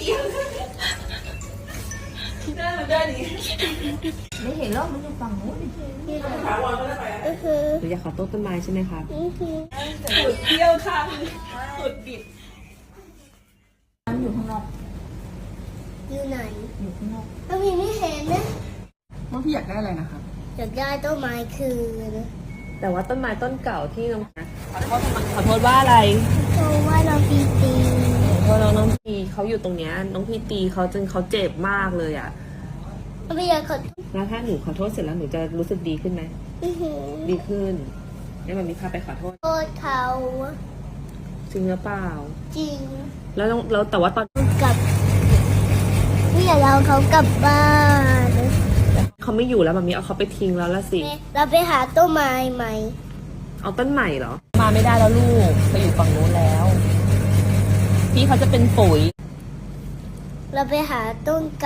ได้มันได้ดีไม่เห็นหรอกมันอยู่ฝั่งนู้นถาวรก็ได้ไปหนูอยากขอต้นไม้ใช่ไหมครับสุดเที่ยวค่ะสุดบิดมันอยู่ข้างนอกอยู่ไหนอยู่ข้างนอกถ้าพี่ไม่เห็นนะว่าพี่อยากได้อะไรนะครับอยากได้ต้นไม้คืนแต่ว่าต้นไม้ต้นเก่าที่น้องขอโทษว่าอะไรเพราะว่าเราปีตีเพราะน้องพีเขาอยู่ตรงเนี้ยน้องพีตีเขาจนเขาเจ็บมากเลยอ่ะไม่อยากขอแล้วถ้าหนูขอโทษเสร็จแล้วหนูจะรู้สึกดีขึ้นไหมอื้อหือดีขึ้นงั้นมันมีพาไปขอโทษโทษเขาจริงหรือเปล่าจริงแล้วแต่ว่าตอนกลับไม่อยากเอาเขากลับบ้านเขาไม่อยู่แล้วแบบนี้เอาเขาไปทิ้งแล้วละสิเราไปหาต้นไม้ใหม่เอาต้นใหม่เหรอ มาไม่ได้แล้วลูกไปอยู่ฝั่งนู้นแล้ว พี่เขาจะเป็นปุ๋ยเราไปหาต้น